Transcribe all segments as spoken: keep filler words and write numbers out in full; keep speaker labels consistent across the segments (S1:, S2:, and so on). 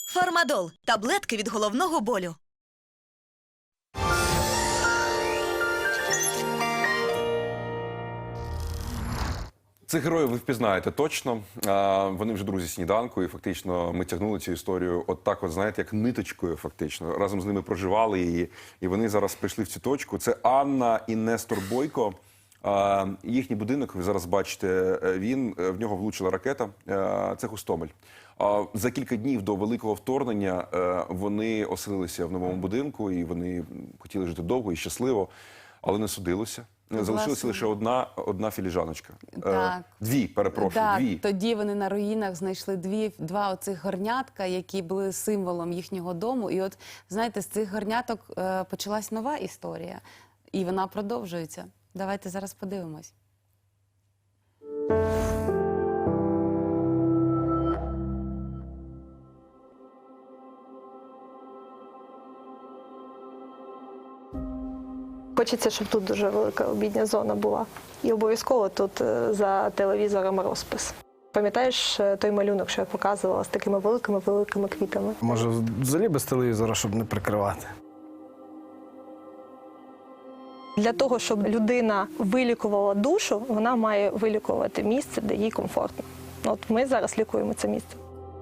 S1: Фармадол – таблетки від головного болю.
S2: Цих героїв ви впізнаєте точно. Вони вже друзі сніданку, і фактично ми тягнули цю історію от так, от, знаєте, як ниточкою, фактично. Разом з ними проживали її, і вони зараз прийшли в цю точку. Це Анна і Нестор Бойко. Їхній будинок, ви зараз бачите, він, в нього влучила ракета. Це Гостомель. За кілька днів до великого вторгнення вони оселилися в новому будинку, і вони хотіли жити довго і щасливо, але не судилося. Залишилася лише одна, одна філіжаночка.
S3: Так.
S2: Дві, перепрошую,
S3: так,
S2: дві.
S3: Тоді вони на руїнах знайшли дві, два оцих горнятка, які були символом їхнього дому. І от, знаєте, з цих горняток е, почалась нова історія. І вона продовжується. Давайте зараз подивимось.
S4: Хочеться, щоб тут дуже велика обідня зона була. І обов'язково тут за телевізором розпис. Пам'ятаєш той малюнок, що я показувала, з такими великими-великими квітами?
S5: Може, взагалі без телевізора, щоб не прикривати?
S4: Для того, щоб людина вилікувала душу, вона має вилікувати місце, де їй комфортно. От ми зараз лікуємо це місце.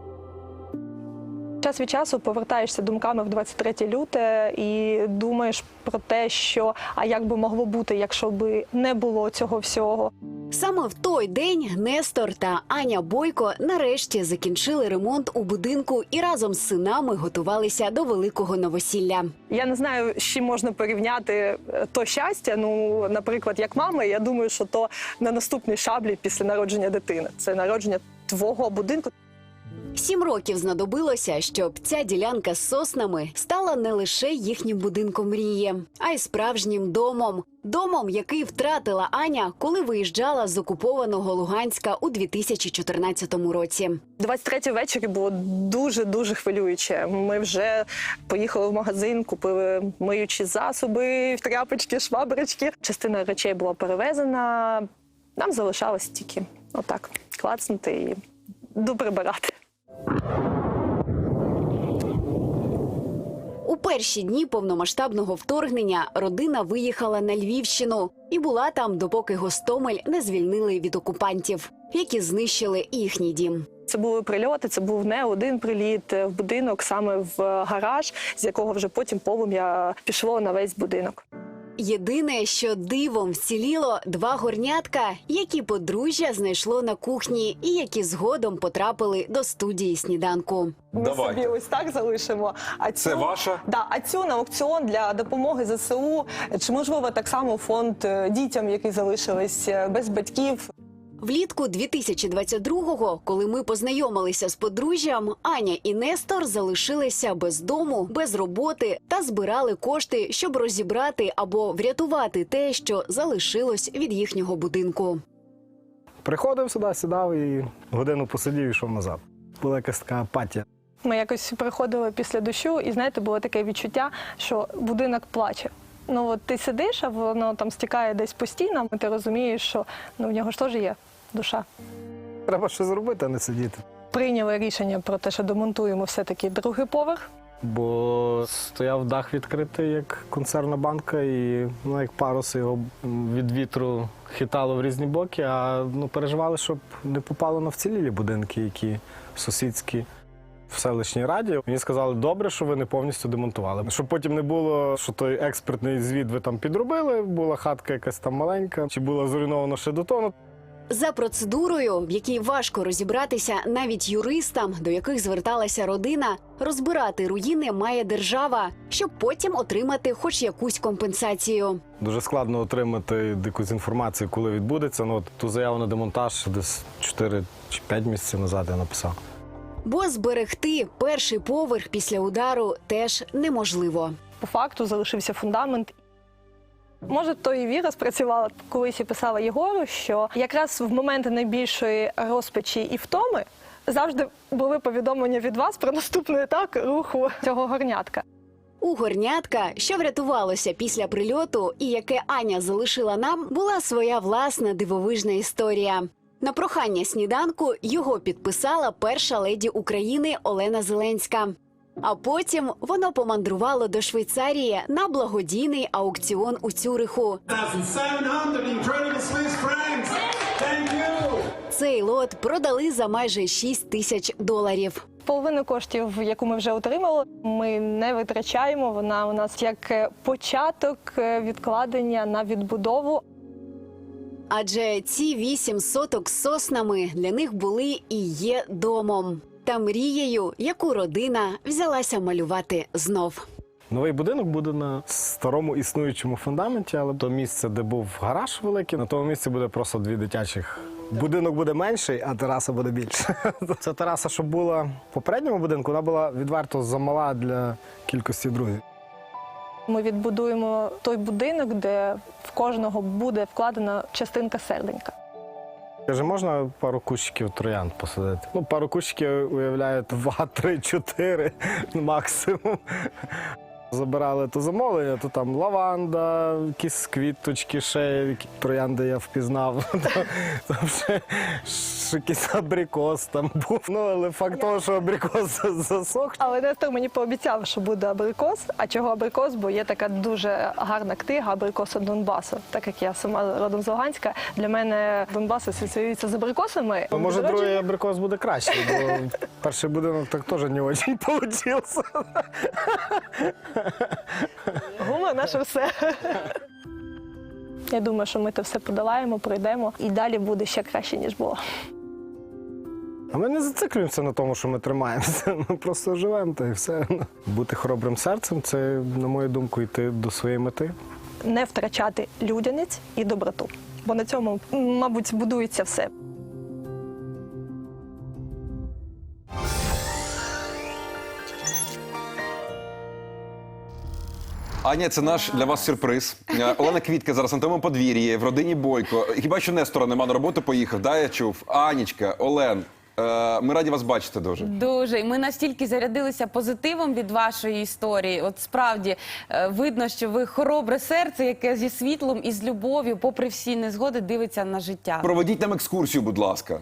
S4: Час від часу повертаєшся думками в двадцять третє люте і думаєш про те, що а як би могло бути, якщо б не було цього всього.
S6: Саме в той день Нестор та Аня Бойко нарешті закінчили ремонт у будинку і разом з синами готувалися до великого новосілля.
S4: Я не знаю, з чим можна порівняти то щастя. Ну, наприклад, як мама, я думаю, що то на наступній шаблі після народження дитини. Це народження твого будинку.
S6: Сім років знадобилося, щоб ця ділянка з соснами стала не лише їхнім будинком мрії, а й справжнім домом. Домом, який втратила Аня, коли виїжджала з окупованого Луганська у дві тисячі чотирнадцятому році.
S4: двадцять третього ввечері було дуже-дуже хвилююче. Ми вже поїхали в магазин, купили миючі засоби, тряпочки, шваброчки. Частина речей була перевезена, нам залишалось тільки отак клацнути і доприбирати.
S6: У перші дні повномасштабного вторгнення родина виїхала на Львівщину і була там, допоки Гостомель не звільнили від окупантів, які знищили їхній дім.
S4: Це були прильоти, це був не один приліт в будинок, саме в гараж, з якого вже потім полум'я пішло на весь будинок.
S6: Єдине, що дивом вціліло два горнятка, які подружжя знайшло на кухні і які згодом потрапили до студії сніданку.
S4: Ми
S2: Давайте.
S4: собі ось так залишимо. А цю,
S2: Це ваша?
S4: Да, а цю на аукціон для допомоги зе се у, чи можливо так само фонд дітям, які залишились без батьків.
S6: Влітку дві тисячі двадцять другого, коли ми познайомилися з подружжям, Аня і Нестор залишилися без дому, без роботи та збирали кошти, щоб розібрати або врятувати те, що залишилось від їхнього будинку.
S5: Приходив сюди, сідав і годину посидів і йшов назад. Була якась така апатія.
S4: Ми якось приходили після дощу, і, знаєте, було таке відчуття, що будинок плаче. Ну от ти сидиш, а воно там стікає десь по стінам, і ти розумієш, що ну, в нього ж теж є душа.
S5: Треба щось зробити, а не сидіти.
S4: Прийняли рішення про те, що демонтуємо все-таки другий поверх.
S5: Бо стояв дах відкритий, як консервна банка, і ну, як парус його від вітру хитало в різні боки, а ну, переживали, щоб не попало на вцілілі будинки, які сусідські. В селищній раді мені сказали, добре, що ви не повністю демонтували. Щоб потім не було, що той експертний звіт ви там підробили, була хатка якась там маленька, чи була зруйнована ще до того.
S6: За процедурою, в якій важко розібратися навіть юристам, до яких зверталася родина, розбирати руїни має держава, щоб потім отримати хоч якусь компенсацію.
S5: Дуже складно отримати якусь інформацію, коли відбудеться. Ну, от ту заяву на демонтаж десь чотири чи п'ять місяців назад я написав.
S6: Бо зберегти перший поверх після удару теж неможливо.
S4: По факту залишився фундамент. Може, то і віра спрацювала, колись я писала Єгору, що якраз в моменти найбільшої розпачі і втоми завжди були повідомлення від вас про наступний етап руху цього горнятка.
S6: У горнятка, що врятувалося після прильоту і яке Аня залишила нам, була своя власна дивовижна історія. На прохання сніданку його підписала перша леді України Олена Зеленська. А потім воно помандрувало до Швейцарії на благодійний аукціон у Цюриху. Цей лот продали за майже шість тисяч доларів.
S4: Половину коштів, яку ми вже отримали, ми не витрачаємо. Вона у нас як початок відкладення на відбудову.
S6: Адже ці вісім соток з соснами для них були і є домом. Та мрією, яку родина взялася малювати знов.
S5: Новий будинок буде на старому існуючому фундаменті, але то місце, де був гараж великий, на тому місці буде просто дві дитячих. Будинок буде менший, а тераса буде більша. Ця тераса, що була в попередньому будинку, вона була відверто замала для кількості друзів.
S4: Ми відбудуємо той будинок, де в кожного буде вкладена частинка серденька.
S5: Каже, можна пару кущиків троянд посадити? Ну, пару кущиків уявляють два, три, чотири максимум. Забирали то замовлення, то там лаванда, якісь квіточки, ще які троянди я впізнав. Там ще, ще якийсь абрикос там був. Ну, але факт того, що абрикос засох.
S4: Але Нестор мені пообіцяв, що буде абрикос. А чого абрикос? Бо є така дуже гарна книга «Абрикоси Донбасу». Так як я сама родом з Луганська, для мене Донбас асоціюється з абрикосами.
S5: А може,
S4: До речі,
S5: другий абрикос буде краще, бо перший будинок так теж не дуже вийшов.
S4: гумор наше все. Я думаю, що ми це все подолаємо, пройдемо і далі буде ще краще, ніж було.
S5: А ми не зациклюємося на тому, що ми тримаємося. Ми просто живемо та і все. Бути хоробрим серцем – це, на мою думку, йти до своєї мети.
S4: Не втрачати людяність і доброту. Бо на цьому, мабуть, будується все.
S2: Аня, це наш для вас сюрприз. Е, Олена Квітка зараз на тому подвір'ї, в родині Бойко. Хіба що Нестора нема на роботу поїхав, да, я чув? Анічка, Олен, е, ми раді вас бачити дуже.
S3: Дуже. І ми настільки зарядилися позитивом від вашої історії. От справді е, видно, що ви хоробре серце, яке зі світлом і з любов'ю, попри всі незгоди, дивиться на життя.
S2: Проведіть нам екскурсію, будь ласка.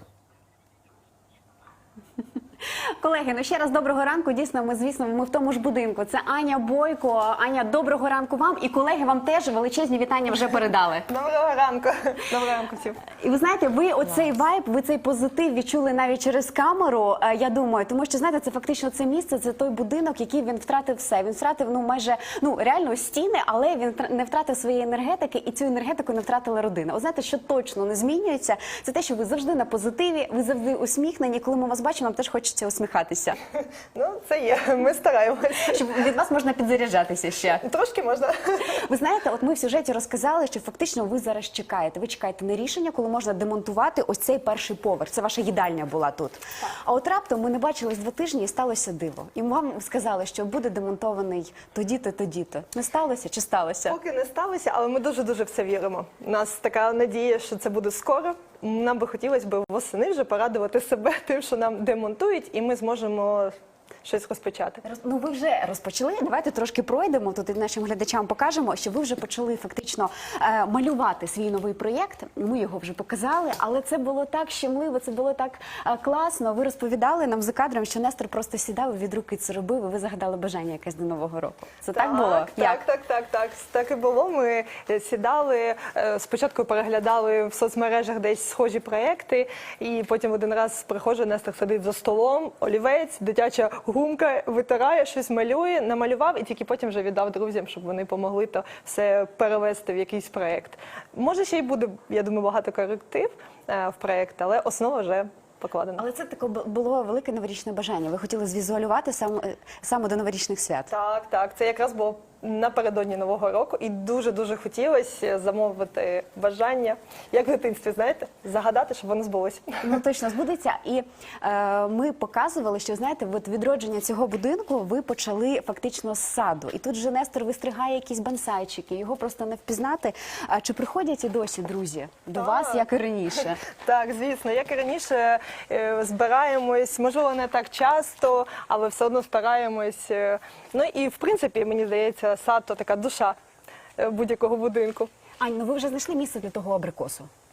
S6: Колеги, ну ще раз доброго ранку. Дійсно, ми, звісно, ми в тому ж будинку. Це Аня Бойко. Аня, доброго ранку вам. І колеги вам теж величезні вітання вже передали.
S4: Доброго ранку. Доброго ранку всім.
S6: І ви знаєте, ви оцей вайб, ви цей позитив відчули навіть через камеру, е, я думаю, тому що, знаєте, це фактично це місце, це той будинок, який він втратив все. Він втратив, ну, майже, ну, реально стіни, але він не втратив своєї енергетики, і цю енергетику не втратила родина. От знаєте, що точно не змінюється, це те, що ви завжди на позитиві, ви завжди усміхнені. Коли ми вас бачимо, нам теж хочеться усміхатися.
S4: Ну, це є. Ми стараємося.
S6: Щоб від вас можна підзаряджатися ще.
S4: Трошки можна.
S6: Ви знаєте, от ми в сюжеті розказали, що фактично ви зараз чекаєте. Ви чекаєте на рішення, коли можна демонтувати ось цей перший поверх. Це ваша їдальня була тут. Так. А от раптом ми не бачились два тижні і сталося диво. І вам сказали, що буде демонтований тоді-то, тоді-то. Не сталося чи сталося?
S4: Поки не сталося, але ми дуже-дуже в це віримо. У нас така надія, що це буде скоро. Нам би хотілося б восени вже порадувати себе тим, що нам демонтують, і ми зможемо щось розпочати.
S6: Ну, ви вже розпочали. Давайте трошки пройдемо тут і нашим глядачам покажемо, що ви вже почали фактично е, малювати свій новий проєкт. Ми його вже показали, але це було так щемливо, це було так е, класно. Ви розповідали нам за кадром, що Нестор просто сідав і від руки це робив, і ви загадали бажання якесь до Нового року. Це так, так було?
S4: Так,
S6: Як?
S4: так, так, так. Так і було. Ми сідали, е, спочатку переглядали в соцмережах десь схожі проєкти, і потім один раз приходжу, Нестор сидить за столом, олівець, дитяча гумка, витирає, щось малює, намалював і тільки потім вже віддав друзям, щоб вони допомогли то все перевести в якийсь проєкт. Може, ще й буде, я думаю, багато коректив е, в проєкт, але основа вже покладена.
S6: Але це таке було велике новорічне бажання. Ви хотіли звізуалювати сам, саме до новорічних свят.
S4: Так, так. Це якраз було напередодні Нового року. І дуже-дуже хотілося замовити бажання, як в дитинстві, знаєте, загадати, щоб воно збулося.
S6: Ну, точно збудеться. І е, ми показували, що, знаєте, от відродження цього будинку ви почали фактично з саду. І тут же Нестор вистригає якісь бонсайчики, його просто не впізнати. А чи приходять і досі друзі до
S4: Так.
S6: вас, як і раніше?
S4: Так, звісно. Як і раніше, е, збираємось, можливо, не так часто, але все одно стараємось. Е, ну і, в принципі, мені здається, сад – то така душа е, будь-якого будинку.
S6: Ань, ну ви вже знайшли місце для того абрикосу?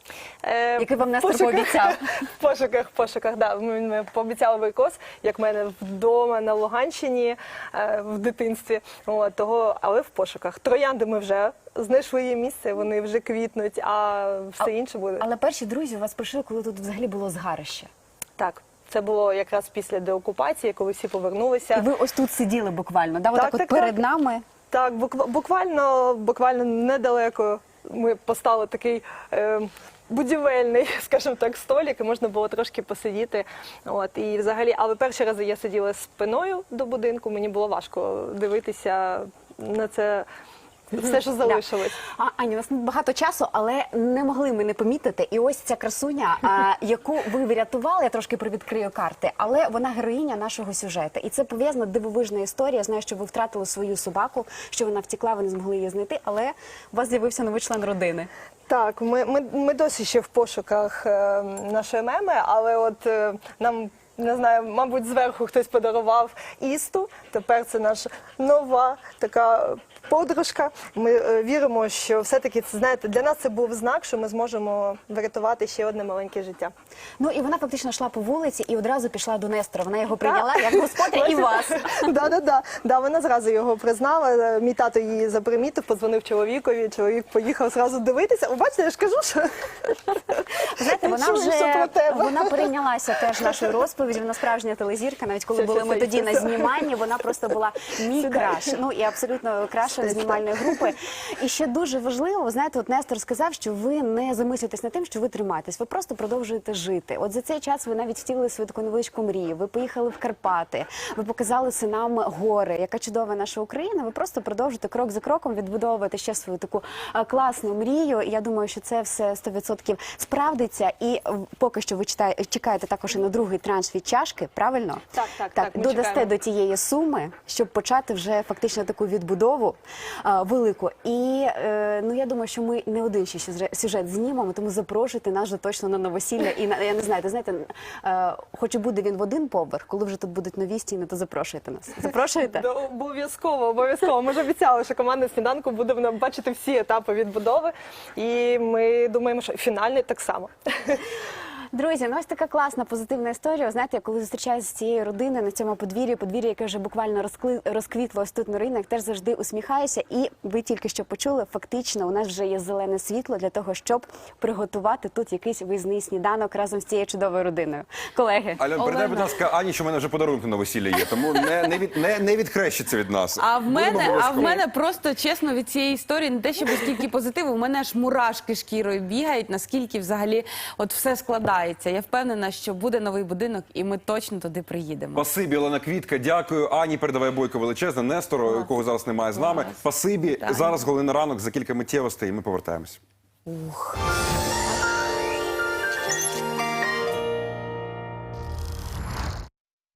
S4: Е,
S6: Який вам
S4: в
S6: Нестор
S4: пошуках-
S6: пообіцяв.
S4: В пошуках, в пошуках, да. Ми, ми пообіцяли варикоз, як в мене вдома на Луганщині е, в дитинстві. От, того, але в пошуках. Троянди ми вже знайшли її місце, вони вже квітнуть, а все інше буде.
S6: Але перші друзі у вас прийшли, коли тут взагалі було згарище.
S4: Так, це було якраз після деокупації, коли всі повернулися.
S6: І ви ось тут сиділи буквально, да?
S4: Так,
S6: Отак от
S4: так,
S6: перед
S4: так.
S6: нами.
S4: Так, буква- буквально, буквально недалеко ми поставили такий е, будівельний, скажімо так, столик, і можна було трошки посидіти. От, і взагалі, але перші рази я сиділа спиною до будинку, мені було важко дивитися на це все, що залишилось.
S6: А, Аня, у нас не багато часу, але не могли ми не помітити. І ось ця красуня, а, яку ви врятували, я трошки привідкрию карти, але вона героїня нашого сюжету. І це пов'язана дивовижна історія. Я знаю, що ви втратили свою собаку, що вона втекла, ви не змогли її знайти, але у вас з'явився новий член родини.
S4: Так, ми, ми, ми досі ще в пошуках е, нашої меми, але от е, нам, не знаю, мабуть, зверху хтось подарував Істу. Тепер це наша нова така подружка. Ми е, віримо, що все-таки, це, знаєте, для нас це був знак, що ми зможемо врятувати ще одне маленьке життя.
S6: Ну і вона фактично йшла по вулиці і одразу пішла до Нестора. Вона його прийняла як господаря і вас.
S4: Да, да, да. Да, вона зразу його признала. Мій тато її запримітив, подзвонив чоловікові. Чоловік поїхав зразу дивитися. Ви бачите, я ж кажу, що
S6: Знаєте, вона
S4: чую, що про
S6: вже
S4: тебе.
S6: вона перейнялася теж нашою розповіддю. Вона справжня телезірка. Навіть коли
S4: Все,
S6: були
S4: все,
S6: ми
S4: все,
S6: тоді
S4: все,
S6: на
S4: все.
S6: зніманні, вона просто була мій
S4: Сідай.
S6: краш. Ну і абсолютно краша знімальної групи. І ще дуже важливо, ви знаєте, от Нестор сказав, що ви не замислюєтесь над тим, що ви тримаєтесь. Ви просто продовжуєте жити. От за цей час ви навіть втілили свою таку невеличку мрію. Ви поїхали в Карпати, ви показали синам гори, яка чудова наша Україна. Ви просто продовжуєте крок за кроком відбудовувати ще свою таку а, класну мрію. І я думаю, що це все сто відсотків справдиться. І е, поки що ви читає, чекаєте також і на другий транш від чашки, правильно?
S4: Так, так, так, ми
S6: додасте
S4: чекаємо.
S6: до тієї суми, щоб почати вже фактично таку відбудову а, велику. І е, ну я думаю, що ми не один ще сюжет- сюжет знімемо, тому запрошуйте нас вже точно на новосілля. І на я не знаю, ти знаєте, е, хоч і буде він в один поверх, коли вже тут будуть нові стіни, то запрошуйте нас. Запрошуєте?
S4: Да, обов'язково, обов'язково. Ми ж обіцяли, що команда «Сніданку» буде нам бачити всі етапи відбудови. І ми думаємо, що фінальний так само.
S6: Друзі, ну ось така класна, позитивна історія. Знаєте, я коли зустрічаюся з цією родиною на цьому подвір'ї, подвір'я, яке вже буквально розкли... розквітло ось тут на ринок, теж завжди усміхаюся. І ви тільки що почули, фактично у нас вже є зелене світло для того, щоб приготувати тут якийсь виїзний сніданок разом з цією чудовою родиною. Колеги,
S2: Альон, передай,
S3: Олена.
S2: будь ласка, Ані, що в мене вже подарунки на весілля є, тому не, не, від, не, не відхрещиться від нас.
S3: А в
S2: Будемо
S3: мене, а в
S2: обов'язково.
S3: мене просто чесно від цієї історії не те, щоб стільки позитиву, у мене аж мурашки шкірою бігають, наскільки взагалі от все складається. Я впевнена, що буде новий будинок, і ми точно туди приїдемо.
S2: Спасибі, Олена Квітка, дякую. Ані, передавай бойко величезне, Нестору, якого зараз немає з нами.
S3: Клас.
S2: Спасибі.
S3: Так.
S2: Зараз «Голий на ранок», за кілька миттєвостей, і ми повертаємось.
S3: Ух.